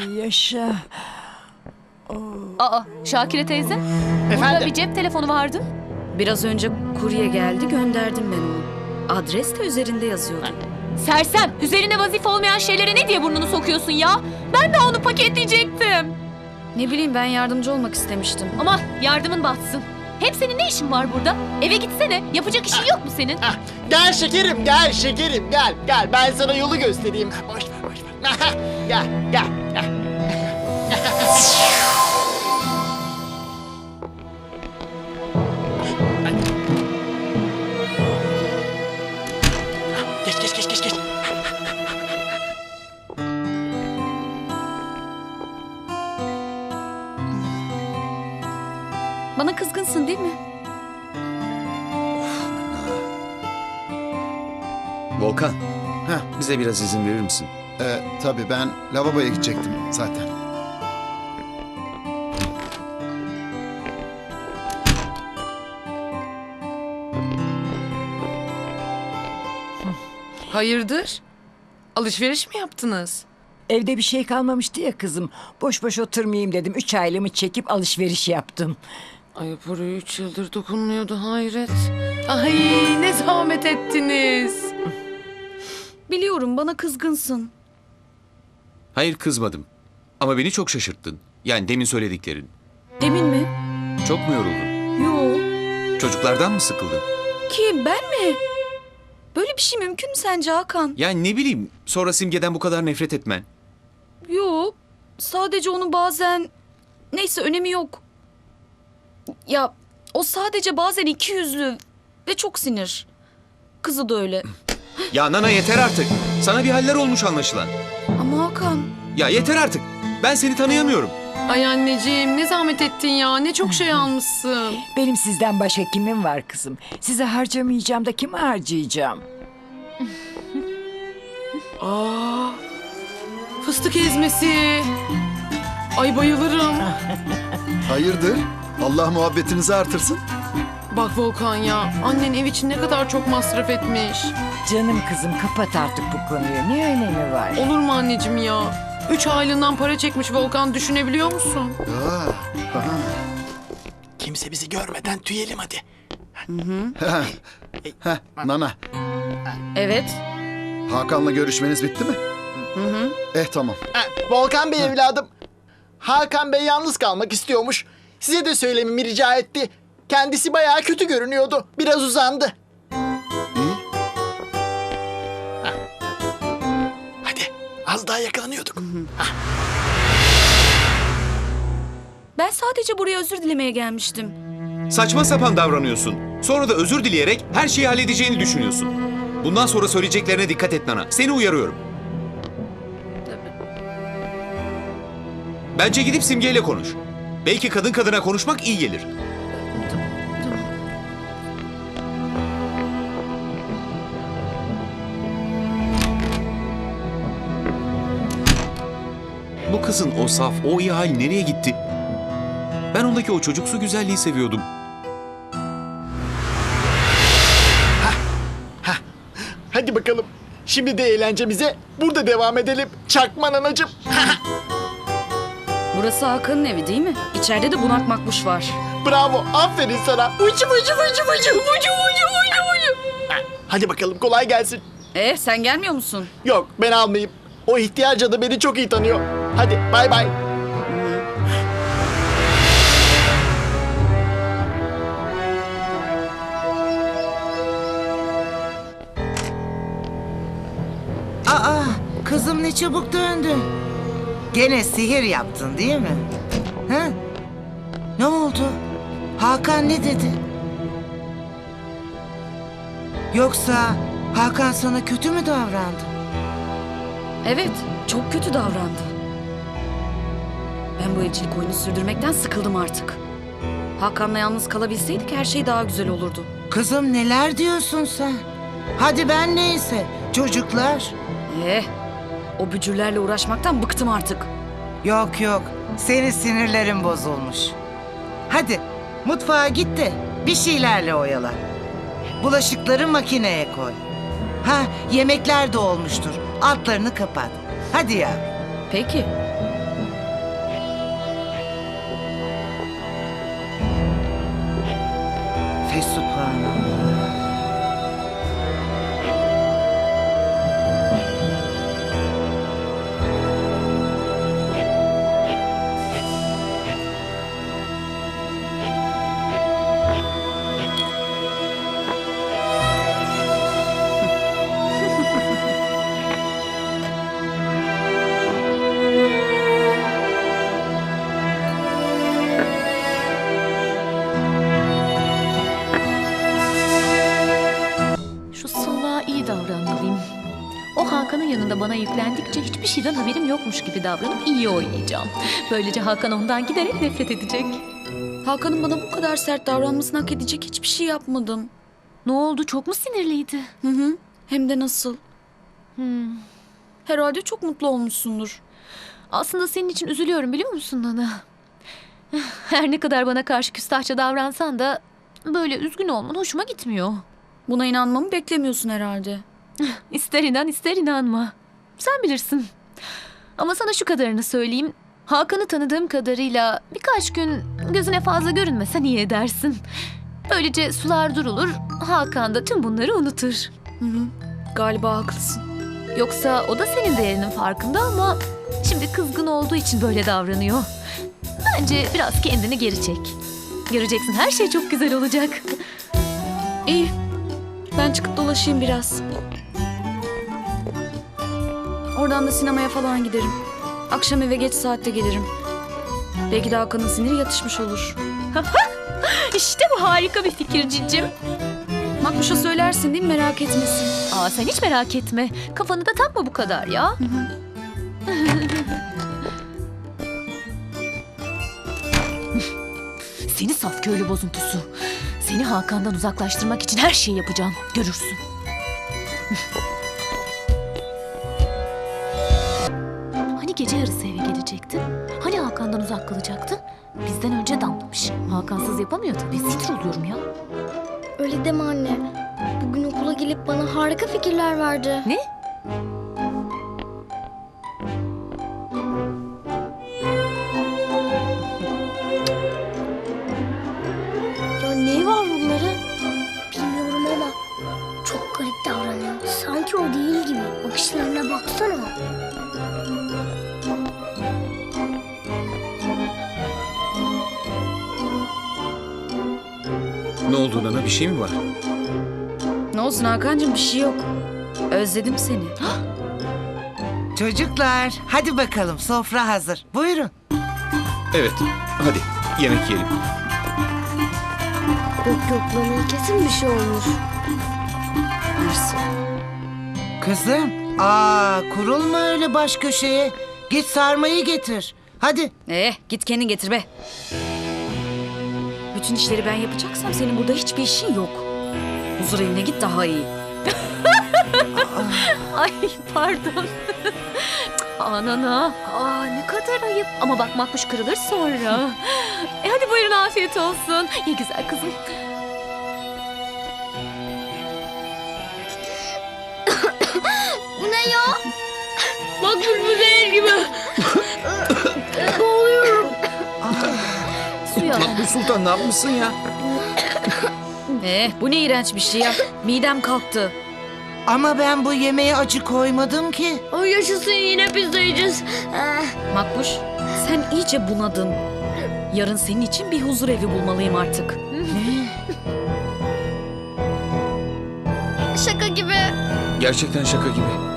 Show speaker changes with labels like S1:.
S1: Yaşa.
S2: Aa, Şakire teyze. Burada
S3: Efendim?
S2: bir cep telefonu vardı.
S4: Biraz önce kurye geldi, gönderdim ben onu. Adres de üzerinde yazıyordu.
S2: Sersem, üzerine vazife olmayan şeylere ne diye burnunu sokuyorsun ya? Ben de onu paketleyecektim.
S4: Ne bileyim, ben yardımcı olmak istemiştim.
S2: Ama yardımın batsın. Hem senin ne işin var burada? Eve gitsene. Yapacak işin yok mu senin?
S3: Gel şekerim, gel şekerim, gel. Gel, ben sana yolu göstereyim. Boş ver, boş ver. Gel, gel, gel. Geç, geç, geç, geç, geç.
S4: Bana kızgınsın değil mi?
S5: Volkan,
S6: Heh,
S5: bize biraz izin verir misin?
S6: tabii ben lavaboya gidecektim zaten.
S7: Hayırdır? Alışveriş mi yaptınız?
S1: Evde bir şey kalmamıştı ya kızım. Boş boş oturmayayım dedim. 3 aylığımı çekip alışveriş yaptım.
S7: Ay parayı 3 yıldır dokunmuyordu, hayret. Ay ne zahmet ettiniz.
S4: Biliyorum, bana kızgınsın.
S5: Hayır, kızmadım. Ama beni çok şaşırttın. Yani demin söylediklerin.
S4: Demin mi?
S5: Çok mu yoruldun?
S4: Yo.
S5: Çocuklardan mı sıkıldın?
S4: Kim, ben mi? Böyle bir şey mümkün mü sence Hakan?
S5: Yani ne bileyim, sonra Simge'den bu kadar nefret etmen.
S4: Yo. Sadece onu bazen... Neyse, önemi yok. Ya o sadece bazen ikiyüzlü ve çok sinir. Kızı da öyle.
S5: Ya Nana, yeter artık. Sana bir haller olmuş anlaşılan.
S4: Ama Hakan...
S5: Ya yeter artık. Ben seni tanıyamıyorum.
S7: Ay anneciğim ne zahmet ettin ya, ne çok şey almışsın.
S1: Benim sizden başka kimim var kızım? Size harcamayacağım da kime harcayacağım?
S7: Aa, fıstık ezmesi. Ay bayılırım.
S6: Hayırdır? Allah muhabbetinizi artırsın.
S7: Bak Volkan ya, annen ev için ne kadar çok masraf etmiş.
S1: Canım kızım, kapat artık bu konuyu. Ne önemi var?
S7: Olur mu anneciğim ya? 3 aylığından para çekmiş Volkan, düşünebiliyor musun?
S3: Kimse bizi görmeden tüyelim hadi.
S6: Nana,
S4: Evet.
S6: Hakan'la görüşmeniz bitti mi? Tamam.
S3: Volkan Bey evladım. Hakan Bey yalnız kalmak istiyormuş. Size de söylememi rica etti. Kendisi bayağı kötü görünüyordu. Biraz uzandı.
S6: İyi.
S3: Hadi az daha yakalanıyorduk.
S4: Ben sadece buraya özür dilemeye gelmiştim.
S5: Saçma sapan davranıyorsun. Sonra da özür dileyerek her şeyi halledeceğini düşünüyorsun. Bundan sonra söyleyeceklerine dikkat et Nana. Seni uyarıyorum. Bence gidip Simge ile konuş. Belki kadın kadına konuşmak iyi gelir. Bu kızın o saf, o iyi hal nereye gitti? Ben ondaki o çocuksu güzelliği seviyordum.
S3: Hadi bakalım. Şimdi de eğlencemize burada devam edelim. Çakma nanacığım.
S4: Burası Hakan'ın evi değil mi? İçeride de bunak makbuş var.
S3: Bravo. Aferin sana. Ucu ucu ucu ucu ucu ucu ucu ucu. Hadi bakalım kolay gelsin.
S4: Sen gelmiyor musun?
S3: Yok ben almayayım. O ihtiyar cadı beni çok iyi tanıyor. Hadi bay bay.
S8: Aa, kızım ne çabuk döndün. Gene sihir yaptın değil mi? Ha? Ne oldu? Hakan ne dedi? Yoksa Hakan sana kötü mü davrandı?
S4: Evet, çok kötü davrandı. Ben bu evcilik oyunu sürdürmekten sıkıldım artık. Hakan'la yalnız kalabilseydik her şey daha güzel olurdu.
S8: Kızım neler diyorsun sen? Hadi ben neyse. Çocuklar.
S4: O bücürlerle uğraşmaktan bıktım artık.
S8: Yok yok. Senin sinirlerin bozulmuş. Hadi mutfağa git de bir şeylerle oyala. Bulaşıkları makineye koy. Ha, yemekler de olmuştur. Altlarını kapat. Hadi ya.
S4: Peki.
S8: Fesubhanallah.
S2: Şu salağa iyi davranmalıyım. O Hakan'ın yanında bana yüklendikçe hiçbir şeyden haberim yokmuş gibi davranıp iyi oynayacağım. Böylece Hakan ondan giderek nefret edecek.
S4: Hakan'ın bana bu kadar sert davranmasını hak edecek hiçbir şey yapmadım.
S2: Ne oldu? Çok mu sinirliydi?
S4: Hı hı. Hem de nasıl? Herhalde çok mutlu olmuşsundur.
S2: Aslında senin için üzülüyorum biliyor musun Nana? Her ne kadar bana karşı küstahça davransan da böyle üzgün olman hoşuma gitmiyor.
S4: Buna inanmamı beklemiyorsun herhalde.
S2: İster inan ister inanma. Sen bilirsin. Ama sana şu kadarını söyleyeyim. Hakan'ı tanıdığım kadarıyla birkaç gün gözüne fazla görünmesen iyi edersin. Böylece sular durulur, Hakan da tüm bunları unutur.
S4: Hı hı. Galiba haklısın.
S2: Yoksa o da senin değerinin farkında ama şimdi kızgın olduğu için böyle davranıyor. Bence biraz kendini geri çek. Göreceksin her şey çok güzel olacak.
S4: İyi. Ben çıkıp dolaşayım biraz. Oradan da sinemaya falan giderim. Akşam eve geç saatte gelirim. Belki de Hakan'ın siniri yatışmış olur.
S2: İşte bu harika bir fikir cicim.
S4: Makbuş'a söylersin değil mi, merak etmesin.
S2: Aa, sen hiç merak etme. Kafanı da takma bu kadar ya. Seni saf köylü bozuntusu. Seni Hakan'dan uzaklaştırmak için her şeyi yapacağım. Görürsün. Hani gece yarısı eve gelecektin? Hani Hakan'dan uzak kalacaktın? Bizden önce damlamış. Hakansız yapamıyor tabii. Sinir oluyorum ya.
S9: Öyle deme anne. Bugün okula gelip bana harika fikirler verdi.
S2: Ne?
S9: Ya neyi var bunların? Bilmiyorum ama çok garip davranıyor. Sanki o değil gibi. Bakışlarına baksana.
S5: Ne oldu Nana? Bir şey mi var?
S4: Ne olsun Hakan'cığım, bir şey yok. Özledim seni.
S8: Çocuklar hadi bakalım, sofra hazır. Buyurun.
S5: Evet. Hadi yemek yiyelim.
S9: Yok bana kesin bir şey olmuş.
S8: Kızım, kurulma öyle baş köşeye. Git sarmayı getir. Hadi.
S4: Git kendin getir be. Bütün işleri ben yapacaksam senin burada hiçbir işin yok. Huzur evine git daha iyi.
S2: Ay pardon. Nana. Ne kadar ayıp. Ama bak makbuş kırılır sonra. Hadi buyurun afiyet olsun. Ye güzel kızım.
S9: Bu ne ya? Bak bu zehir gibi. Boğuluyorum.
S2: Suya.
S5: Bu Sultan ne yapmışsın ya?
S4: Bu ne iğrenç bir şey ya. Midem kalktı.
S8: Ama ben bu yemeğe acı koymadım ki.
S9: O yaşasın, yine pizza yiyeceğiz.
S4: Makbuş, sen iyice bunadın. Yarın senin için bir huzur evi bulmalıyım artık.
S9: Şaka gibi.
S5: Gerçekten şaka gibi.